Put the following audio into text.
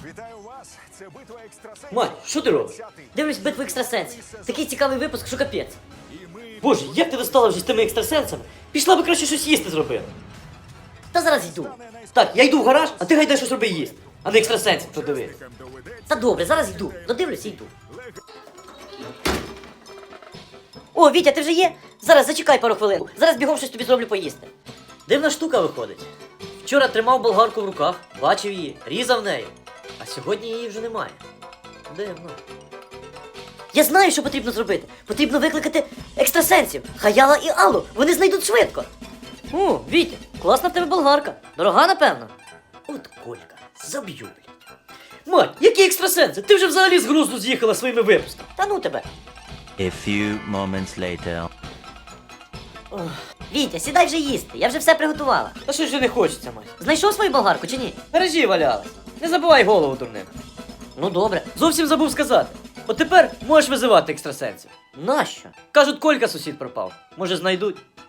Вітаю вас! Це битва екстрасенсів. Мать, що ти робиш? Дивлюсь битву екстрасенсів. Такий цікавий випуск, що капець. Боже, як ти достала вже з тими екстрасенсами? Пішла би краще щось їсти зробила. Та зараз йду. Так, я йду в гараж, а ти гайдай щось роби їсти. А не екстрасенсів подивись. Та добре, зараз йду. Додивлюся і йду. О, Вітя, ти вже є? Зараз зачекай пару хвилин. Зараз бігом щось тобі зроблю поїсти. Дивна штука виходить. Вчора тримав болгарку в руках, бачив її, різав нею. А сьогодні її вже немає. Дивно. Я знаю, що потрібно зробити. Потрібно викликати екстрасенсів. Хаяла і Аллу. Вони знайдуть швидко. О, Вітя, класна в тебе болгарка. Дорога, напевно. От Колька, заб'ю, блядь. Мать, які екстрасенси? Ти вже взагалі з глузду з'їхала своїми випусками. Та ну тебе. A few moments later. Вітя, сідай вже їсти. Я вже все приготувала. Та що ж не хочеться, мать? Знайшов свою болгарку чи ні? В гаражі валялась. Не забувай голову дурним. Ну добре. Зовсім забув сказати. От тепер можеш визивати екстрасенсів. Нащо? Кажуть, Колька сусід пропав. Може знайдуть.